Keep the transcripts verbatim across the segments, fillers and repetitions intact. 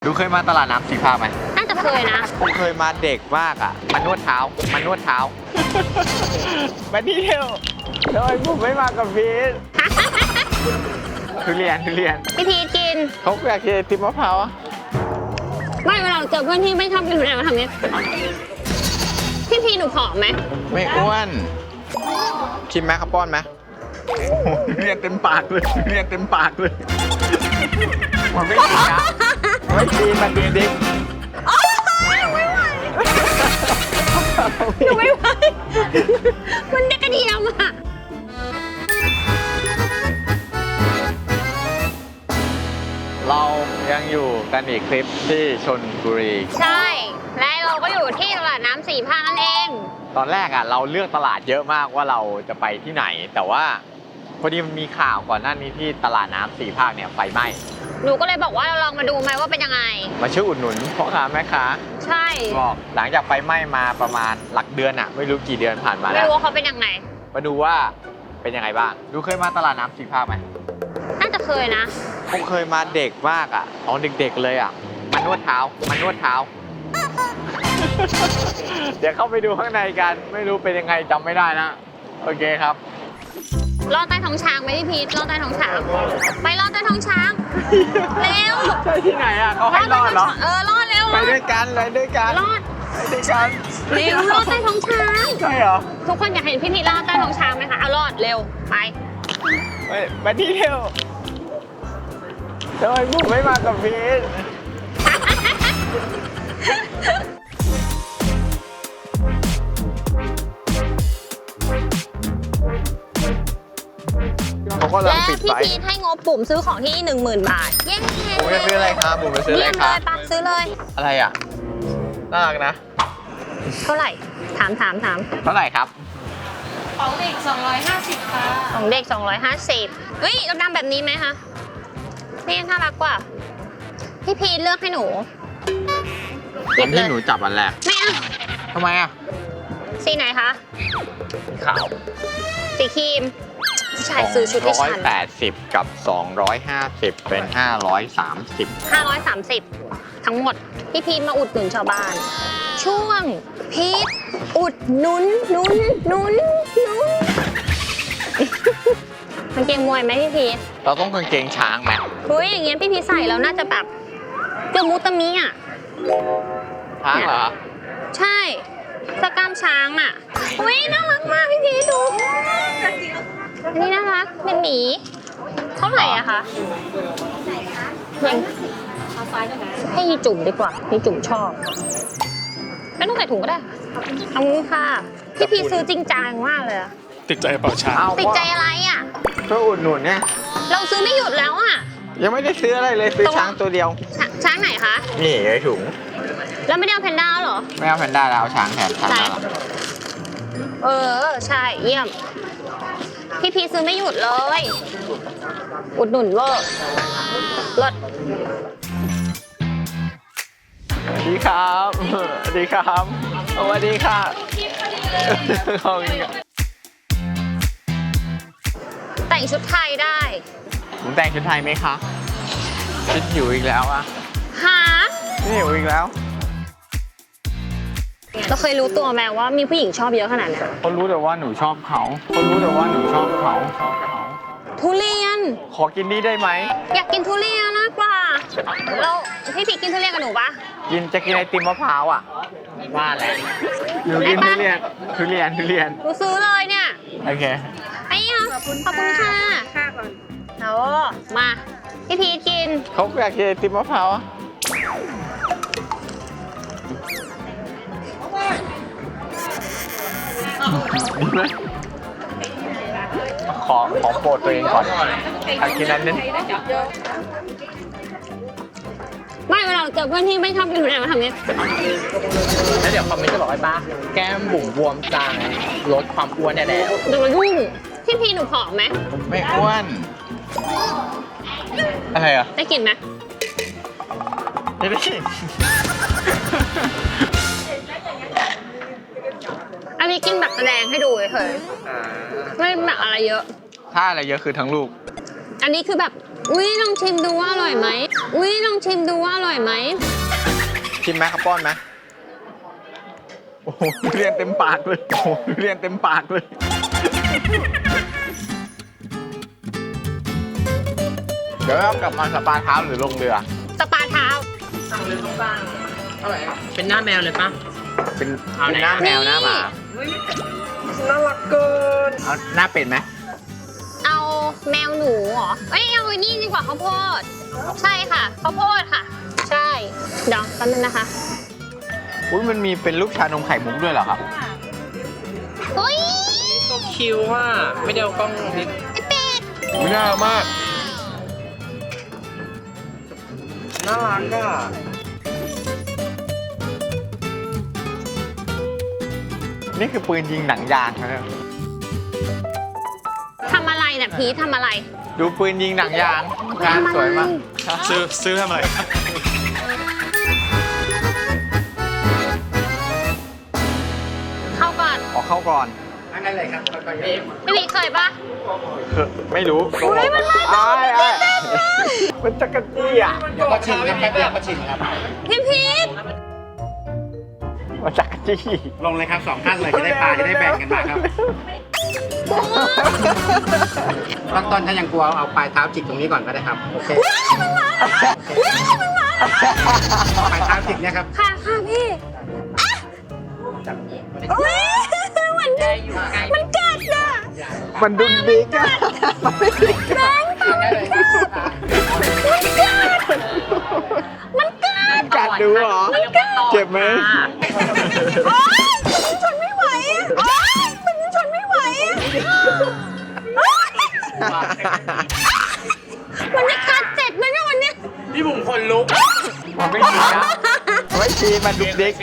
ดูเคยมาตลาดน้ำสีภาคไหมน่าจะเคยนะผมเคยมาเด็กมากอ่ะมานวดเท้า มานวดเท้า มาเที่ยวทำไมผมไม่มากับพีท ทุเรียนทุเรียนพี่พีทกินเขาอยากกินไอติมมะพร้าวอ่ะไม่เวลาเจอเพื่อนที่ไม่ชอบกินทุเรียนมาทำนี้พี่พีหนูผอมไหมไม่อ้วนชิมไหมครับป้อนไหมทุเรียนเต็มปากเลยทุเรียนเต็มปากเลยมันไม่กินนะไม่กินมันดิ๊กหนูไม่ไหวมันได้กระเทียมอ่ะเรายังอยู่กันอีกคลิปที่ชลบุรีใช่และเราก็อยู่ที่ตลาดน้ำสี่ภาคนั่นเองตอนแรกอ่ะเราเลือกตลาดเยอะมากว่าเราจะไปที่ไหนแต่ว่าพอดีมันมีข่าวก่อนหน้านี้ที่ตลาดน้ำสี่ภาคเนี่ยไฟไหม้หนูก็เลยบอกว่าเราลองมาดูไหมว่าเป็นยังไงมาช่วยอุดหนุนพ่อค้าแม่ค้าใช่บอกหลังจากไฟไหม้มาประมาณหลักเดือนอ่ะไม่รู้กี่เดือนผ่านมาแล้วไม่รู้ว่าเขาเป็นยังไงมาดูว่าเป็นยังไงบ้างดูเคยมาตลาดน้ำสี่ภาคไหมน่าจะเคยนะผมเคยมาเด็กมากอ่ะตอนเด็กๆเลยอ่ะมานวดเท้ามานวดเท้า เดี๋ยวเข้าไปดูข้างในกันไม่รู้เป็นยังไงจำไม่ได้นะโอเคครับรอดใต้ท้องช้างไหมพี่พีทรอดใต้ท้องช้างไปรอดใต้ท้องช้างเร็วใช่ที่ไหนอ่ะเขาให้รอดเหรอเออรอดเร็วไปด้วยกันไปด้วยกันรอดไปด้วยกันเร็วรอดใต้ท้องช้างใช่เหรอทุกคนอยากเห็นพี่พีทรอดใต้ท้องช้างไหมคะเอารอดเร็วไปไปไปที่เร็วทำไมผมไม่มากับพีทและพี่พีทให้งบปุ่มซื้อของที่ หนึ่งหมื่น บาทเย้ผมจะซื้ออะไรครับผมจะซื้ออะไรครับปะซื้อเลยอะไรอ่ะน่ารักนะเท่าไหร่ถามถามถามเท่าไหร่ครับของเด็กสองร้อยห้าสิบค่ะของเด็กสองร้อยห้าสิบเฮ้ยเราดำแบบนี้ไหมคะนี่น่ารักกว่าพี่พีทเลือกให้หนูหยิบเลยหนูจับอันแรกไม่เอาทำไมอ่ะสีไหนคะขาวสีครีมผู้ชายซื้อชุดที่ฉันหนึ่งร้อยแปดสิบกับสองร้อยห้าสิบเป็นห้าร้อยสามสิบห้าร้อยสามสิบทั้งหมดพี่พีทมาอุดหนุนชาวบ้านช่วงพีทอุดหนุนหนุนหนุนหนุนกางเกงมวยไหมพี่พีทเราต้องกางเกงช้างไหมเฮ้ยอย่างเงี้ยพี่พีทใส่แล้วน่าจะแบบเกมุตมิอ่ะช้างเหรอใช่สกล้ามช้างอ่ะเฮ้ยน่ารักมากพี่พีทดูอันนี้น่ารักเป็นหมีเท่าไหร่อะคะยังให้ยีจุ่มดีกว่ายีจุ่มชอบไม่ต้องใส่ถุงก็ได้เอางี้ค่ะพี่พีซื้อจริงจังมากเลยติดใจเปล่าช้างติดใจอะไรอะช่วยอุดหนุนเนี่ยเราซื้อไม่หยุดแล้วอะยังไม่ได้ซื้ออะไรเลยซื้อช้างตัวเดียวช้างไหนคะนี่ไอ้ถุงแล้วไม่ได้เอาแพนด้าเหรอไม่เอาแพนด้าแล้วเอาช้างแทนช้างเออใช่เยี่ยมพี่พีซื้อไม่หยุดเลยอุดหนุนเวอร์รถสวัสดีครับสวัสดีครับสวัสดีค่ะแต่งชุดไทยได้ผมแต่งชุดไทยไหมคะชุดหิวอีกแล้วอะหานี่หิวอีกแล้วเราเคยรู้ตัวไหมว่ามีผู้หญิงชอบเยอะขนาดนี้เขารู้แต่ว่าหนูชอบเขาเขารู้แต่ว่าหนูชอบเขาชอบเขาทุเรียนขอกินนี่ได้ไหมอยากกินทุเรียนนะกว่าเราพี่พีกินทุเรียนกับหนูปะกินจะกินไอติมมะพร้าวอ่ะว่าแหละหนูกินทุเรียนทุเรียนทุเรียนหนูซื้อเลยเนี่ยโอเคไอ้ค่ะขอบคุณค่ะค่ะก่อนเอามาพี่พีกินเขาอยากกินไอติมมะพร้าวอ่ะขอขอโปรดตัวเองก่อนอยากกินนั้นนึงไม่เวลาเจอเพื่อนที่ไม่ชอบกินทุเรียนมาทำนี้แล้วเดี๋ยวคอมเมนต์จะบอกไอ้ป้าแก้มบุ๋มบวมจางลดความอ้วนได้แล้วเดี๋ยวมายุ่งพี่พีหนูผอมไหมไม่อ้วนอะไรอ่ะได้กลิ่นไหมไม่ได้กลิ่นอันนี้กินแบบแสดงให้ดูเฉยไม่แบบอะไรเยอะถ้าอะไรเยอะคือทั้งลูกอันนี้คือแบบอุ้ยลองชิมดูว่าอร่อยไหมอุ้ยลองชิมดูว่าอร่อยไหมชิมไหมครับป้อนไหมโอ้โหเรียนเต็มปากเลยโอ้โหเรียนเต็มปากเลยเดี๋ยวเรากลับมาสปาเท้าหรือลงเรือสปาเท้าสั่งเลยต้องบ้างเท่าไหร่เป็นหน้าแมวเลยปะเป็นเอาเป็นไหนหน้าแมวหน้าหมาน่ารักเกินเอาหน้าเป็ดไหมเอาแมวหนูเหรอเอ้ยเอาไอ้นี่ดีกว่าข้าวโพดใช่ค่ะข้าวโพดค่ะ ใช่เดี๋ยวแป๊บนึงนะคะอุ้ยมันมีเป็นลูกชานมไข่มุกด้วยเหรอครับอุ้ยก็คิวว่าไม่ได้เอากล้องนิดไอเป็ดอุ้ยน่ารักมากน่ารักอ่ะนี่คือปืนยิงหนังยางนะเนี่ยทำอะไรเนี่ยพีททำอะไรดูปืนยิงหนังยางงานสวยมากซื้อซื้อทำไมเข้าก่อนออกเข้าก่อนอันนั้นเลยครับก็เอฟพี่พีทเคยปะคือไม่รู้อุ๊ยมันมาอ้ายอ้ายมันจักรจี้อ่ะเดี๋ยวก็ชิมครับแป๊บเดียวก็ชิมครับพี่พีทมันจักรจี้ลงเลยครับสองท่านเลยจะได้ปลาจะได้แบ่งกันมาครับตอนต้นถ้ายังกลัวเอาปลายเท้าจิกตรงนี้ก่อนก็ได้ครับโอเคปลายเท้าจิกเนี่ยครับค่ะค่ะพี่อ่ะอุ๊ยมันมันกัดอ่ะมันดุนดิกอะมันไม่ดิกแบงค์มันกัดกัดดูเหรอ เจ็บไหมโอ๊ยมันชนไม่ไหวโอ๊ยมันชนไม่ไหวโอ๊ยมันจะกัดเจ็บไหมเนี่ยวันเนี้ยพี่บุ๋มคนลุกมันไม่ดีนะไม่ดีมันดุนดิก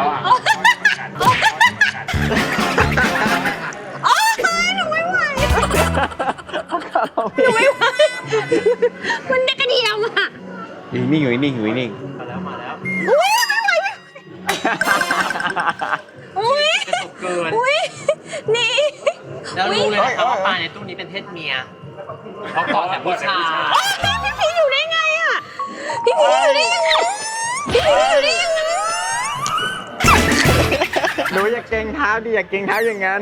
โอ๊ยหนูไม่ไหวหนูไม่ไหวมันเด็กกระเดียมอ่ะอยู่นิ่งอยู่นิ่งอยู่นิ่งมาแล้วมาแล้วอุ้ยไม่ไหวอุ้ยจะตกเกินอุ้ยนี่แล้วรู้เลยนะครับว่าปลาในตู้นี้เป็นเพศเมียเขาเกาะแต่ผู้ชายโอ๊ยพี่พีอยู่ได้ไงอ่ะพี่พีอยู่ได้ยังไงพี่พีอยู่ได้ยังไงหนูอย่าเกรงเท้าดิอย่าเกรงเท้าอย่างนั้น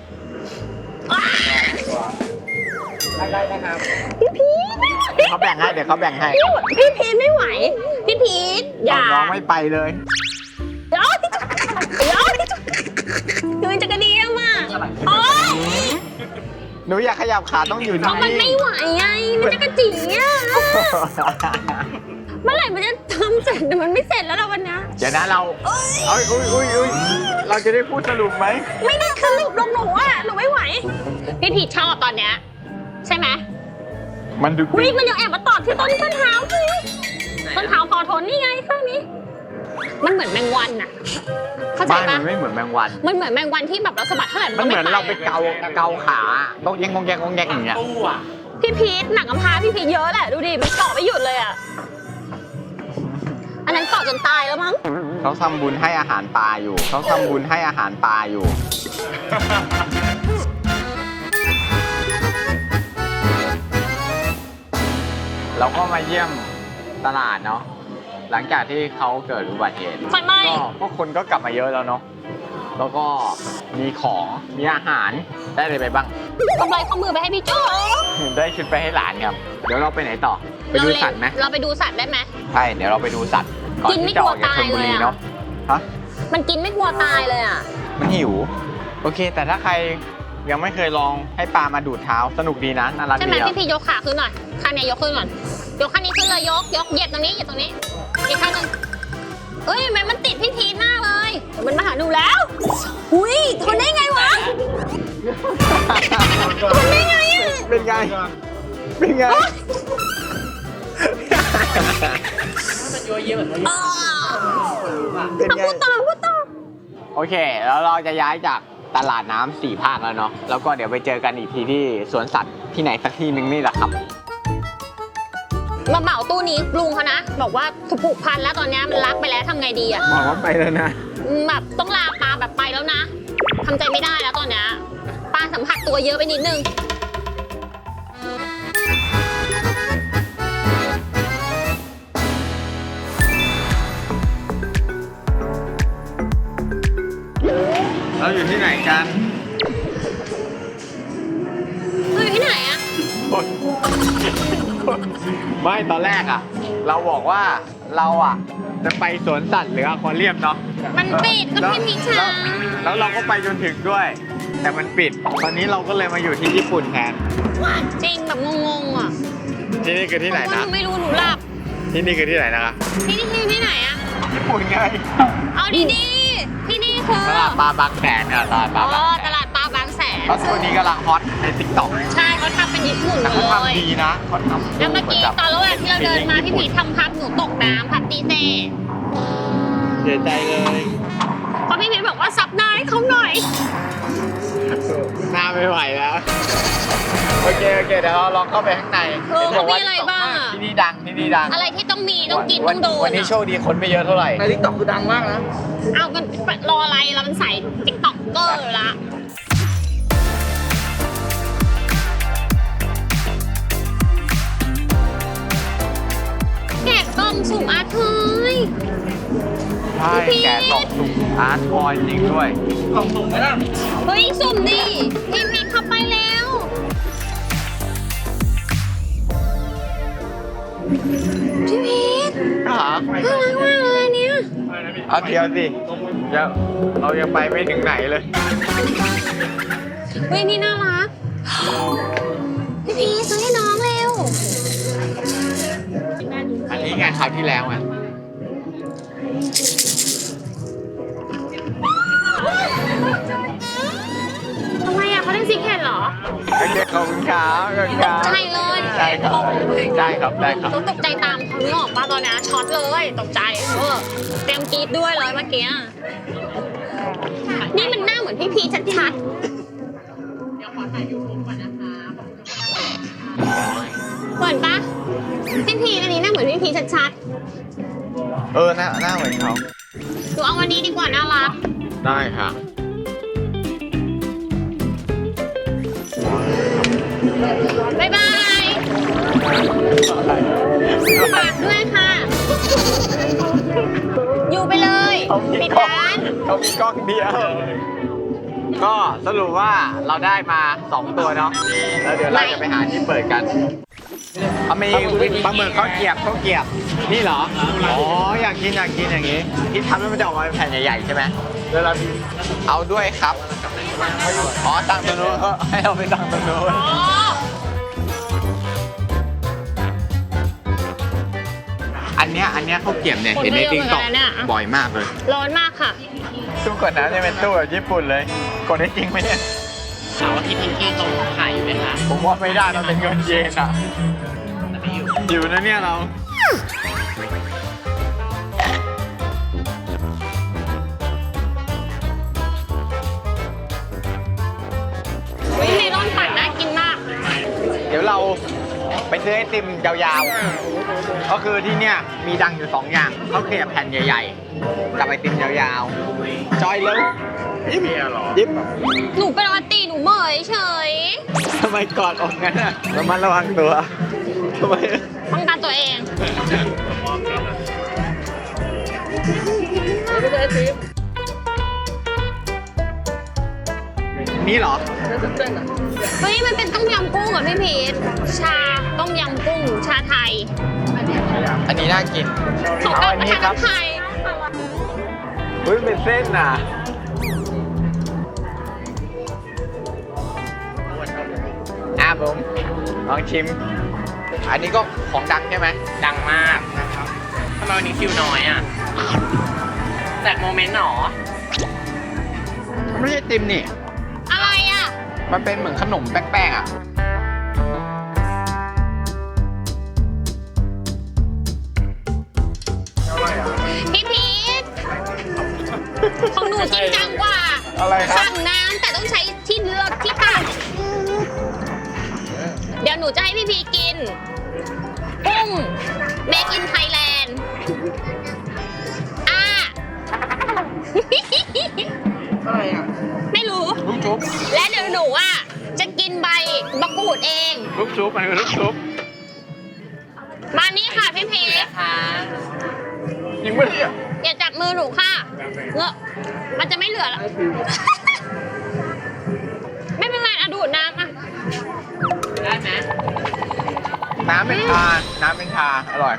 ได้นะครับพี่พีไม่ไหวเขาแบ่งให้เดี๋ยวเขาแบ่งให้พี่พีไม่ไหวพี่พีอย่าน้องไม่ไปเลยเดี๋ยวเดี๋ยวดูจะกระเดียมอ่ะโอ๊ยหนูอย่าขยับขาต้องอยู่เพราะมันนิ่ไม่งไหวไงมันจะกระจิ๋งอ่ะเมื่อไหร่มันจะทำเสร็จแต่มันไม่เสร็จแล้วล่ะวันนี้เดี๋ยวนะเราเอ้ยอุ้ยอุ้ยอุ้ยเราจะได้พูดสรุปไหมไม่ได้สรุปลงหนูอ่ะหนูไม่ไหวพี่พีชอบตอนเนี้ยใช่ไหมมันดุวิดิกมันยังแอบมาตอดที่ต้นต้นเท้าพี่ต้นเท้าพอทนนี่ไงข้างนี้ มันเหมือนแมงวันอะเข้าใจบ้านปะมันไม่เหมือนแมงวันมันเหมือนแมงวันที่แบบเราสะบัดเท่าไหร่มันเหมือนเราไปอะเกาเกาขาต้องแยงงงแยงงงแยงอย่างเงี้ยตู้อ่ะพี่พีทหนังกำพร้าพี่พีทเยอะแหละดูดิมันเกาะไม่หยุดเลยอะอันนั้นเกาะจนตายแล้วมั้งเขาทำบุญให้อาหารปลาอยู่ เขาทำบุญให้อาหารปลาอยู่ เราก็มาเยี่ยมตลาดเนาะ หลังจากที่เขาเกิดอุบัติเหตุไฟไหม้ก็พวกคนก็กลับมาเยอะแล้วเนาะ แล้วก็มีของ มีอาหาร ได้อะไรไปบ้างกำไรข้อมือไปให้พี่โจ้ได้ชุดไปให้หลานครับ เดี๋ยวเราไปไหนต่อ ไปดูสัตว์ไหมเราไปดูสัตว์ได้ไหมใช่ เดี๋ยวเราไปดูสัตว์ ก่อนกินไม่ที่จะออกกลัจากวชลบุรีตายเลยอะเนาะ ฮะมันกินไม่กลัวตายเลยอะมันหิว โอเค แต่ถ้าใครยังไม่เคยลองให้ปลามาดูดเท้า สนุกดีนะ น่ารักใช่ไหมดีอะพี่พียกขาขึ้นหน่อยข้างเนี้ยยกขึ้นก่อนยกข้างนี้ขึ้นเลยยกยกเหยียบตรงนี้เหยียบตรงนี้อีกข้างหนึงเอ้ยทำไมมันติดพี่พีทหน้าเลยเดี๋ยวมันมาหาหนูแล้วหุยทนได้ไงวะทนได้ไงอะเป็นไง เป็นไงมันยัวเยี่ยเหมือนอ่าเป็นไงพูดต่อพูดต่อโอเค แล้วเราจะย้ายจากตลาดน้ำสี่ภาคแล้วเนาะ แล้วก็เดี๋ยวไปเจอกันอีกทีที่สวนสัตว์ที่ไหนสักที่หนึ่งนี่แหละครับมาเหมาตู้นี้ลุงเขานะบอกว่าถูกผูกพันแล้วตอนเนี้ยมันรักไปแล้วทำไงดีอะบอกว่าไปแล้วนะแบบต้องลาปลาแบบไปแล้วนะทำใจไม่ได้แล้วตอนเนี้ยปลาสัมผัสตัวเยอะไปนิดนึงกันเราอยู่ที่ไหนอะไม่ตอนแรกอ่ะ เราบอกว่าเราอ่ะ จะไปสวนสัตว์หรืออควาเรียมเนาะมันปิดก็พี่พีช้าแล้วเราก็ไปจนถึงด้วย แต่มันปิด ตอนนี้เราก็เลยมาอยู่ที่ญี่ปุ่นแทนจริงแบบงงๆอ่ะที่นี่คือที่ไหนเพราะว่าหนะนูไม่รู้หนูหลับที่นี่คือที่ไหนนะคะที่นี่คือที่ไหนอะญี่ปุ่นไงเอาดีๆ ที่นี่คือตลาดปลาบางแสนเนี่ยตลาดปอ๋ลาอบางแสตนลาดปลาบางแสนแล้วตัวนี้กำลังฮอตในติ๊กต็อกใช่เขาทำเป็นญี่ปุ่นหมแต่ดเขาเลยทำดีนะเขาทำแล้วเมื่อกี้ตอนระหว่างที่เราเดินมาพี่พีทำพับหนูตกน้ำพับตีเต้เสียใจเลยเพราะพี่พีบอกว่าซับหน้าให้เขาหน่อยหน้าไม่ไหวแล้ว โอเค โอเค เดี๋ยวเราลองเข้าไปข้างในเออห็นบกว่มีอะไรบ้างอะที่นี่ดังที่นี่ดังอะไรที่ต้องมีต้องกินวัต้องโดนวันนี้โชคดีคนไม่เยอะเท่าไหร่ในทิกตอกคือดังมากนะเอากันรออะไรเรามันใส่ติ๊กต็อกเกอร์ละแกะกล่องสุ่มอาเทยใช่พี่แกะกล่องสุ่มอาร์ตทอยจริงด้วยกล่องสุ่มไหมล่ะเฮ้ยสุ่มดิพี่พีเข้าไปแล้วพี่พีทหาน่ารักมากเลยอันเนี้ยเอาเดียวสิเดี๋ยวเรายังไปไม่ถึงไหนเลยเฮ้ยนี่น่ารักพี่พีทซื้อให้น้องเร็วอันนี้ไงคราวที่แล้วไงทำไมอ่ะเขาได้ซิกเห็นเหรอโอเคขอบคุณครับขอบคุณครับใช่เลยใช่ครับได้ครับได้ครับต้องตกใจตามเขานึกออกป่ะตอนนี้ช็อตเลยตกใจเออเตรียมกรีดด้วยเลยเมื่อกี้นี่มันหน้าเหมือนพี่พีชัดๆเดี๋ยวขอถ่ายยูทูบก่อนนะคะเหมือนปะพี่พีอันนี้หน้าเหมือนพี่พีชัดเออหน้าหน้าเหมือนเขาๆหนูเอาวันนี้ดีกว่าน่ารักได้ค่ะบ๊ายบายฝากด้วยค่ะ อยู่ไปเลยปิดร้านเขามีกล้องเดียว ก็สรุปว่าเราได้มาสองตัวเนาะ แล้วเดี๋ยวเราจะไปหาที่เปิดกันเอามีปลาหมึกข้าวเกรียบข้าวเกรียบ นี่เหรอ อ๋อ อยากกินอยากกินอย่างนี้ ที่ทำให้มันจะออกมาเป็นแผ่นใหญ่ๆใช่ไหมเดี๋ยวเราเอาด้วยครับ อ๋อตั้งตรงนู้นเออให้เราไปตั้งตรงนู้นอ๋ออันเนี้ยอันเนี้ยข้าวเกรียบเนี่ยเห็นในติ๊กต็อกบ่อยมากเลยร้อนมากค่ะตู้กดน้ำจะเป็นตู้แบบญี่ปุ่นเลย กดได้จริงไหมเนี่ยถามว่าพี่พิงกี้ตรงขายอยู่ไหมคะผมว่าไม่ได้มันเป็นเงินเยนอ่ะแต่ไม่อยู่อยู่นะเนี่ยเราวิเมลอนปั่นน่ากินมากเดี๋ยวเราไปซื้อไอติมยาวๆ ก็คือที่เนี่ยมีดังอยู่สองอย่างข้าวเกรียบแผ่นใหญ่ๆ กับไอติมยาวๆ จอยแล้วยิ้มยิ้มหนูเป็นออตีหนูเหมยเฉยทำไมกอดอกงั้นอ่ะระมัดระวังตัวทำไมป้องกันตัวเองนี่เหรอเฮ้ย มันเป็นต้มยำกุ้งเหรอพี่พีทชาต้มยำกุ้ง ชาไทยอันนี้น่ากินของเอาการอันประนี้ทานครับไทยเฮ้ยเป็นเส้นน่ะอ่ะผมลองชิม อันนี้ก็ของดังใช่ไหมดังมากนะครับทำไมวันนี้คิวน้อยอ่ะแจกโมเมนต์หรอมันไม่ใช่ติมนี่อะไรอ่ะมันเป็นเหมือนขนมแป้งๆอ่ะพี่พีทของหนูจริงจังกว่าอะไรครับสั่งน้ำแต่ต้องใช้ที่เลือกที่ตักเดี๋ยวหนูจะให้พี่พีกิน กุ้ง Make in Thailand อ่าอะไรอ่ะไม่รู้ลูกชุบและเดี๋ยวหนูอ่ะ จะกินใบมะกรูดเองลูกชุบมันคือลูกชุบมานี่ค่ะพี่พีทนะคะจริงปะเนี่ยอย่าจับมือหนูค่ะเงอะมันจะไม่เหลือแล้วน้ำเป็นชา น้ำเป็นชา อร่อย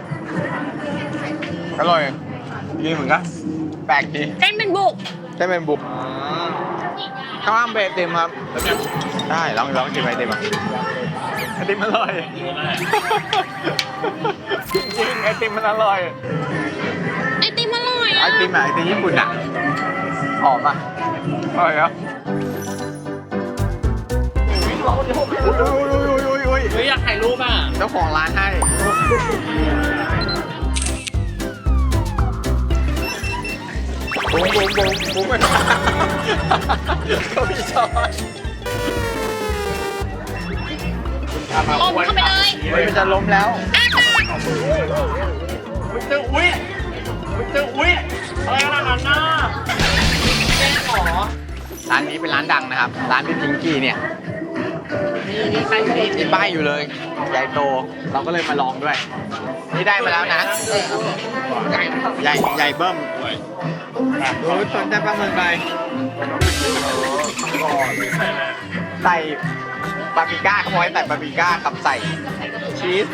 อร่อยดีเหมือนกัน แปลกดีเส้นเป็นบุกได้เป็นบุกข้าวอ้ามเบติมครับ ได้ลองลองกินไอติมอ่ะไอติมอร่อย จริงๆไอติมมันอร่อยไอติมอร่อยไออ่ะติมอะไอติมญี่ปุ่นอ่ะหอมอ่ะอร่อยครับอุ้ยอุ้ยอุ้ยอุ้ยอุ้ยเฮ้ยอยากถ่ายรูปอ่ะเจ้าของร้านให้บุ้งบุ้งบุ้งบุ้งไปก็มีช้อนอมเข้าไปเลยเฮ้ยมันจะล้มแล้วอ้าปากอุ้ยเจออุ้ยอุ้ยเจออุ้ยอะไรขนาดนั้นน่ะแจ้งหรอร้านนี้เป็นร้านดังนะครับ ร้านพี่พิงกี้เนี่ยนี่นี่ใครสิมีป้ายอยู่เลย ใหญ่โต เราก็เลยมาลองด้วย นี่ได้มาแล้วนะใหญ่ใหญ่ใหญ่เบิ้มโอ้ยสนใจปลาหมึกไปใส่ปาปริก้าขโมยใส่ปาปริก้ากับใส่ชีส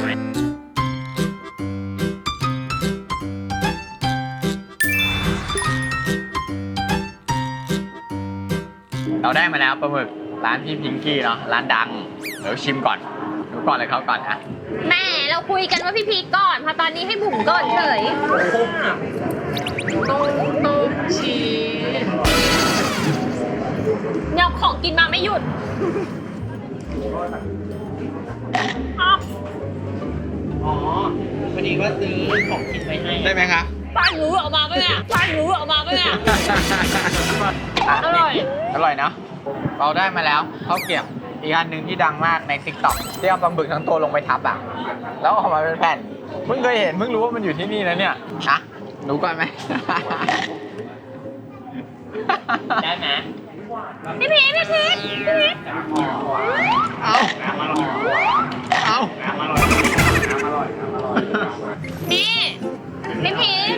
เราได้มาแล้วปลาหมึกร้านพี่พิงกี้เนาะร้านดัง เดี๋ยวชิมก่อนดูก่อนเลยเขาก่อนนะแม่เราคุยกันว่าพี่พีคก่อนพอตอนนี้ให้บุ๋มก่อนเฉยต้องต้องชีสเนี่ยของกินมาไม่หยุดอ้าวอ๋อวันนี้ก็ซื้อของกินไปให้ได้ไหมคะป้าหนูออกมาปะเนี่ยป้าหนูออกมาปะเนี่ย อร่อยอร่อยเนาะเราได้มาแล้วข้าวเกรียบอีกอันหนึ่งที่ดังมากใน ติ๊กต็อก ที่เอาปลาหมึกทั้งตัวลงไปทับอ่ะแล้วออกมาเป็นแผ่นเพิ่งเคยเห็นเพิ่งรู้ว่ามันอยู่ที่นี่นะเนี่ยอะหนูก่อนไหมได้ไหมพี่พีชพี่พีชพี่พีชเอาเอานี่พี่พีช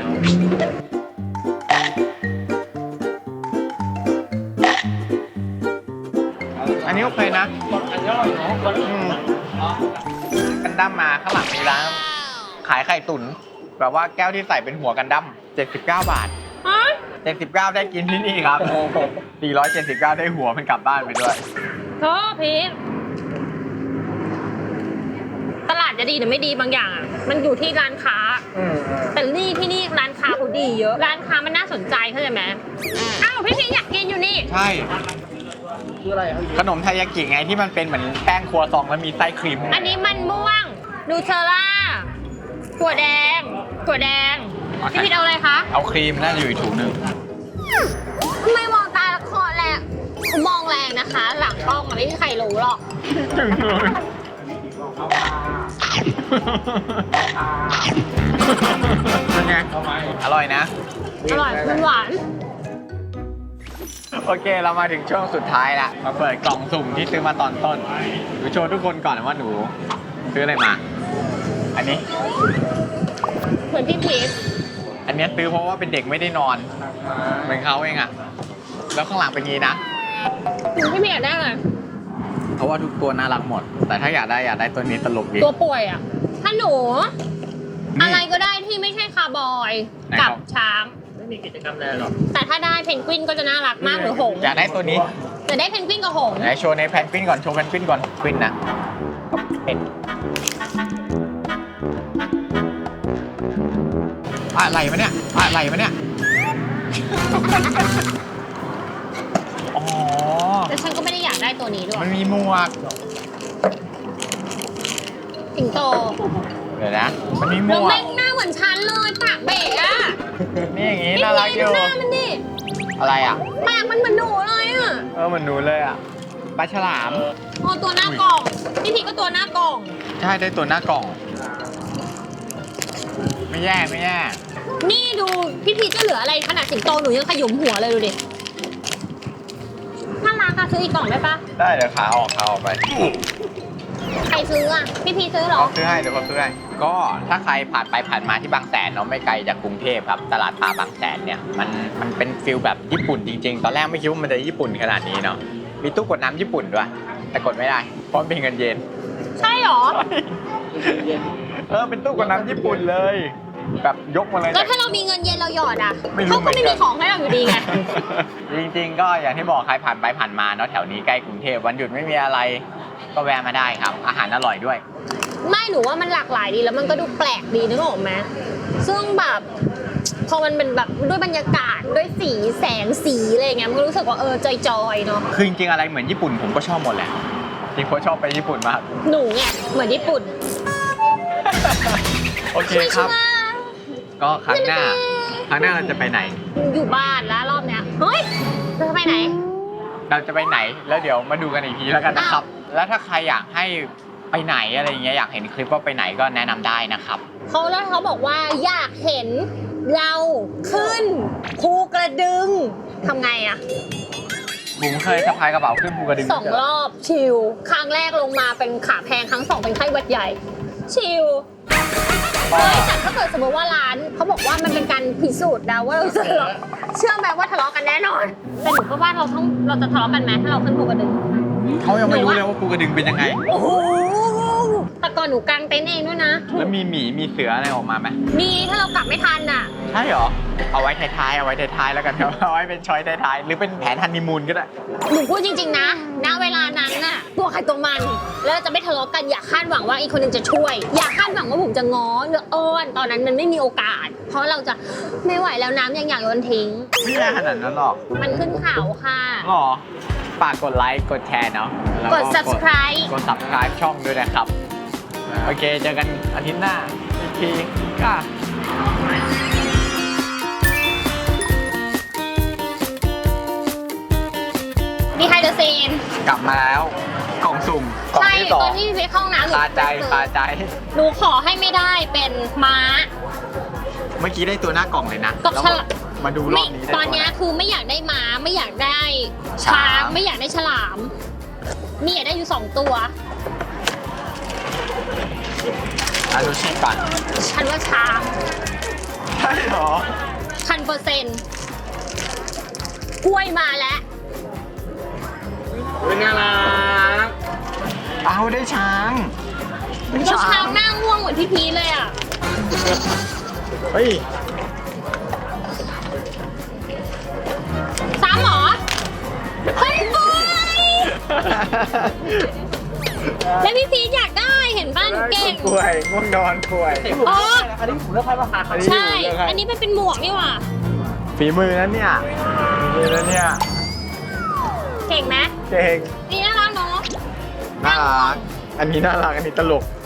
อันนี้โอเคนะอันนี้อร่อยเนาะอืมกันดั้มมาข้างหลังมีร้านขายไข่ตุ๋นแบบว่าแก้วที่ใส่เป็นหัวกันดั้มเจ็ดสิบเก้าบาทฮะเจ็ดสิบเก้าได้กินที่นี่ครับสี่ร้อยเจ็ดสิบเก้าได้หัวมันกลับบ้านไปด้วยโทษพีชตลาดจะดีหรือไม่ดีบางอย่างอะมันอยู่ที่ร้านค้า แต่นี่ที่นี่ร้านค้าเขาดีเยอะ ร้านค้ามันน่าสนใจเข้าใจไหมอ้าวพี่พีชอยากกินอยู่นี่ใช่คืออะไรอ่ะขนมไทยากิไงที่มันเป็นเหมือนแป้งครัวซองแล้วมีไส้ครีมอันนี้มันม่วงนูเทลล่าถั่วแดงถั่วแดงพี่พีชเอาอะไรคะเอาครีมน่าจะอยู่อีกถุงหนึ่งทำไมมองตาละครแรงมองแรงนะคะ หลังกล้องอะไม่มีใครรู้หรอกถึงเลยเป็นไงอร่อยนะอร่อยมันหวานโอเคเรามาถึงช่วงสุดท้ายละมาเปิดกล่องสุ่มที่ซื้อมาตอนต้นหนูโชว์ทุกคนก่อนว่าหนูซื้ออะไรมา อันนี้เหมือนพี่พีชอันเนี้ยซื้อเพราะว่าเป็นเด็กไม่ได้นอนเหมือนเขาเองอะแล้วข้างหลังเป็นงี้นะพี่พีชอยากได้อะไรเพราะว่าทุกตัวน่ารักหมด แต่ถ้าอยากได้อยากได้ตัวนี้ตลกดีตัวป่วยอ่ะ ถ้าหนูนี่อะไรก็ได้ที่ไม่ใช่คาร์บอยไหนกับครับช้างไม่มีกิจกรรมอะไรหรอกแต่ถ้าได้เพนกวินก็จะน่ารักมากหรือหงส์อยากได้ตัวนี้แต่ได้เพนกวินกับหงส์ไหนโชว์ในแพนกวินก่อนโชว์แพนกวินก่อนกวินนะเป็นอะไรมาเนี่ยอะไรมาเนี่ยอ๋อแต่ฉันก็ไม่ได้อยากได้ตัวนี้ด้วยมันมีหมวกสิงโตเดี๋ยวนะมันมีหมแล้ววกแม่งหน้าเหมือนฉันเลยปากเบะอ่ะนี่อย่างงี้พี่น่ารักพีอชยู่หน้ามันดิอะไรอ่ะปากมันเหมือนหนูเลยอ่ะเออเหมือนหนูเลยอ่ะปลาฉลามโอ้ตัวหน้ากล่อง พี่พีชก็ตัวหน้ากล่องใช่ได้ตัวหน้ากล่อง ไม่แย่ไม่แย่นี่ดูพี่พีชจะเหลืออะไรขนาดสิงโตหนูยังขยุมหัวเลยดูดิน่ารักอะซื้ออีกกล่องได้ปะได้เดี๋ยวขาออกขาออกไปใครซื้ออะพี่พีชซื้อเหรอเขาซื้อให้เดี๋ยวเขาซื้อให้ก็ถ้าใครผ่านไปผ่านมาที่บางแสนเนาะไม่ไกลจากกรุงเทพครับตลาดปลาบางแสนเนี่ยมันมันเป็นฟิลแบบญี่ปุ่นจริงๆ ตอนแรกไม่คิดว่ามันจะญี่ปุ่นขนาดนี้เนาะมีตู้กดน้ำญี่ปุ่นด้วย แต่กดไม่ได้เพราะมันเป็นเงินเยนใช่เหรอเออเป็นตู้กดน้ำญี่ปุ่นเลย แบบยกมาเลยแล้วถ้าเรามีเงินเย็นเราหยอดอ่ะไม่รู้เขาก็ไม่เหมืมีอนกันของให้เราอยู่ดีไงจริงๆก็อย่างที่บอกใครผ่านไปผ่านมาเนาะแถวนี้ใกล้กรุงเทพวันหยุดไม่มีอะไร ก็แวะมาได้ครับ อาหารอร่อยด้วยไม่หนูว่ามันหลากหลายดีแล้วมันก็ดูแปลกดีนึกออกไหมซึ่งแบบพอมันเป็นแบบด้วยบรรยากาศด้วยสีแสงสีอะไรอย่างเงี้ยมันก็รู้สึกว่าเออจอยๆเนาะคือจริงๆอะไรเหมือนญี่ปุ่นผมก็ชอบหมดแหละจริงๆผมชอบไปญี่ปุ่นมากหนูเนี่ยเหมือนญี่ปุ่นโอเคครับ ก็ครั้งหน้า ครั้งหน้าเราจะไปไหนอยู่บ้านแล้วรอบเนี้ยเฮ้ยเราจะไปไหนเราจะไปไหนแล้วเดี๋ยวมาดูกันอีกทีแล้วกันนะครับ แล้วถ้าใครอยากให้ไปไหนอะไรอย่างเงี้ยอยากเห็นคลิปว่าไปไหนก็แนะนำได้นะครับเขาแล้วเขาบอกว่าอยากเห็นเราขึ้นภูกระดึงทำไงอะผมเคยสะพายกระเป๋าขึ้นภูกระดึงสองรอบชิลครั้งแรกลงมาเป็นขาแพงครั้งสองเป็นไข้หวัดใหญ่ ชิลเฮ้ยแต่ถ้าเกิดสมมติว่าร้านเขาบอกว่ามันเป็นการพิสูจน์นะว่าเราจะทะเลาะเชื่อไหมว่าทะเลาะกันแน่นอนแต่หนูก็ว่าเราต้องเราจะทะเลาะกันไหมถ้าเราขึ้นภูกระดึงเขายังไม่รู้เลยว่าภูกระดึงเป็นยังไงโอ้โหแต่ก่อนหนูกางเต็นท์เองด้วยนะแล้วมีหมีมีเสืออะไรออกมาไหมมีถ้าเรากลับไม่ทันอ่ะใช่เหรอ เอาไว้ท้ายๆเอาไว้ท้ายๆแล้วกันครับ เอาไว้เป็นช้อยท้ายๆหรือเป็นแผนฮันนีมูนก็ได้หนูพูดจริงๆนะณเวลานั้นน่ะตัวใครตัวมัน แล้วเราจะไม่ทะเลาะกันอย่าคาดหวังว่าอีกคนหนึงจะช่วย อย่าคาดหวังว่าผมจะง้อหรืออ้อนตอนนั้นมันไม่มีโอกาส เพราะเราจะไม่ไหวแล้วน้ำยังอยากโยนทิ้งไม่ได้ขนาดนั้นหรอกมันขึ้นเขาค่ะหรอฝากกดไลค์กดแชร์เนาะแล้วกด subscribe กด subscribe ช่องด้วยนะครับ โอเค เจอกันอาทิตย์หน้าอีกทีค่ะดีไฮเดอร์ซีนกลับมาแล้วกล่องสุ่มกล่องใช่ที่สอตอง นที่ไปเข้าห้องน้ำหนูคาใจคาใจหนูขอให้ไม่ได้เป็นม้าเมื่อกี้ได้ตัวหน้ากล่องเลยนะกับแล้วฉลามมาดูรไม่อบนี้ได้ตอนเนี้ยคือไม่อยากได้ม้าไม่อยากได้ช้างช้างไม่อยากได้ฉลาม มีอยากได้อยู่สองตัวอาดูชีปันฉันว่าช้างใช่เหรอพันเปอร์เซ็นต์กล้วยมาแล้วเป็นน่ารักเอาได้ช้างได้แล้วช้างหน้าง่วงเหมือนพี่พีชเลยอ่ะเฮ้ยซ้ำเหรอเฮ้ยบอยแล้วพี่พีชอยากได้เห็นบ้านเก่งป่วยง่วงนอนป่วยอ๋ออันนี้ผมเลือกให้ราคาครับใช่ อันนี้มันเป็นหมวกนี่หว่าฝีมือนั้นเนี่ยฝีมือนั้นเนี่ยเก่งไหมเก่งนี่น่ารักเนาะน่ารัก อันนี้น่ารัก อันนี้ตลก